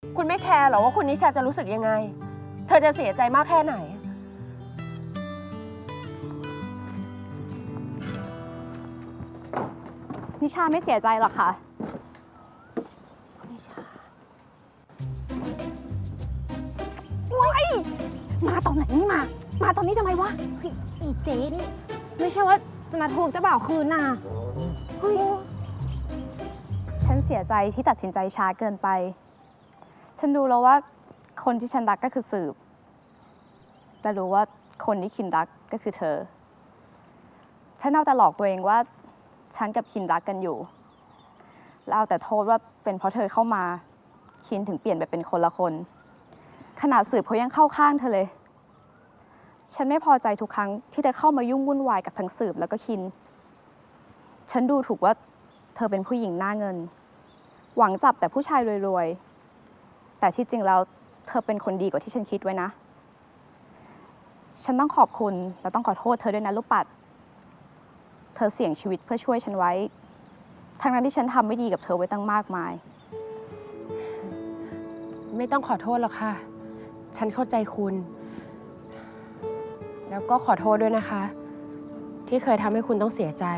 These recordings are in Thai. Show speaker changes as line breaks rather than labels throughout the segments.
คุณไม่แคร์หรอว่าคุณนิชาจะรู้สึกยังไง เธอจะเสียใจมากแค่ไหน
นิชาไม่เสียใจหรอกค่ะ
นิชา
มาตอนไหนนี่มาตอนนี้ทำไมวะอีเจ๊นี่ไม่ใช่ว่าจะมาทวงเจ้าบ่าวคืนน่ะเฮ้ยฉันเสียใจที่ตัดสินใจช้าเกินไป ฉันรู้แล้วว่าคนที่ฉันรักก็คือสืบแต่รู้ว่าคนที่คินรักก็คือเธอ ฉันเอาแต่หลอกตัวเองว่าฉันกับคินรักกันอยู่แล้วเอาแต่โทษว่าเป็นเพราะเธอเข้ามาคินถึงเปลี่ยนไปเป็นคนละคนขนาดสืบเขายังเข้าข้างเธอเลย ฉันไม่พอใจทุกครั้งที่เธอเข้ามายุ่งวุ่นวายกับทั้งสืบแล้วก็คิน ฉันดูถูกว่าเธอเป็นผู้หญิงหน้าเงิน หวังจับแต่ผู้ชายรวยๆ แต่ที่จริงแล้วเธอเป็นคนดีกว่าที่ฉันคิดไว้นะ ฉันต้องขอบคุณและต้องขอโทษเธอด้วยนะลูกปัด เธอเสี่ยงชีวิตเพื่อช่วยฉันไว้ ทั้งนั้นที่ฉันทำไม่ดีกับเธอไว้ตั้งมากมาย
ไม่ต้องขอโทษหรอกค่ะ ฉันเข้าใจคุณ แล้วก็ขอโทษด้วยนะคะ ที่เคยทำให้คุณต้องเสียใจ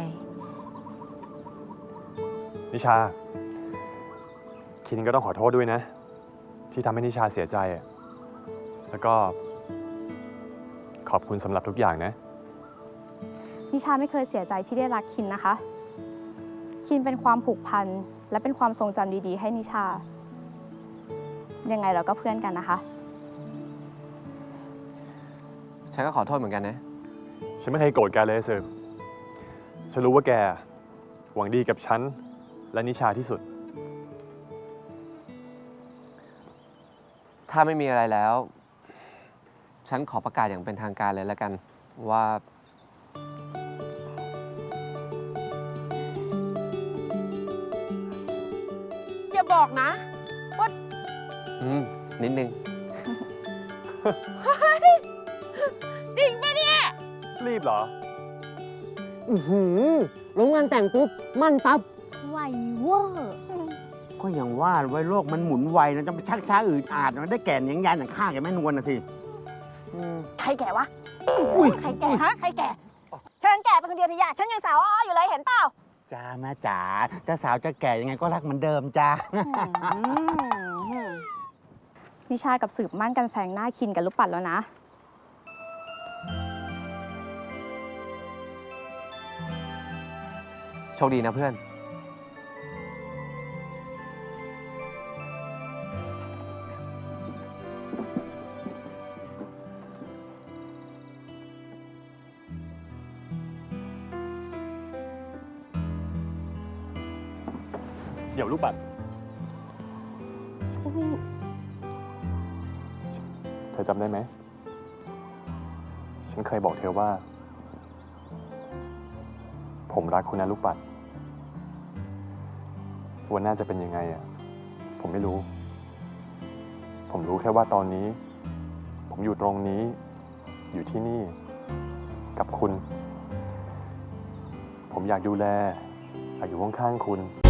นิชา คินก็ต้องขอโทษด้วยนะ ที่ทำให้นิชาเสียใจอะแล้วก็ขอบคุณสำหรับทุกอย่างนะ
นิชาไม่เคยเสียใจที่ได้รักคินนะคะ คินเป็นความผูกพันและเป็นความทรงจำดีๆให้นิชา ยังไงเราก็เพื่อนกันนะคะ
ฉันก็ขอโทษเหมือนกันนะ
ฉันไม่เคยโกรธแกเลยเซิร์ฟฉันรู้ว่าแกหวังดีกับฉันและนิชาที่สุด
ถ้าไม่มีอะไรแล้ว ฉันขอประกาศอย่างเป็นทางการเลยแล้วกัน ว่า
อย่าบอกนะว่า
นิดนึง
จริงปะเนี่ย
รีบเหรอ
ลงงานแต่งปุ๊บ มั่นปั๊บ
ไวเวอร์
ก็อย่างว่าไว้โลกมันหมุนไวนะจะไปชักช้าอืดอาดมันได้แก่นยังยันอย่างข้าแกแม่นวลนะสิ
ใครแก่วะ
อุ้ย
ใครแก่ฮะ ใครแก่ เชิญแก่เป็นคนเดียวทีอยากฉันยังสาวอ้ออยู่เลยเห็นเปล่า
จ้าแม่จ๋าจะสาวจะแก่ยังไงก็รักเหมือนเดิมจ้า
นิชากับสืบมั่นกันแซงหน้าคินกับลูกปัดแล้วนะ
โชคดีนะเพื่อน
เดี๋ยวลูกบัตรเธอจำได้ไหม ฉันเคยบอกเธอว่า ผมรักคุณนะลูกปัดวันหน้าจะเป็นยังไงอ่ะ ผมไม่รู้ ผมรู้แค่ว่าตอนนี้ ผมอยู่ตรงนี้ อยู่ที่นี่ กับคุณ ผมอยากดูแล อยากอยู่ข้างๆคุณ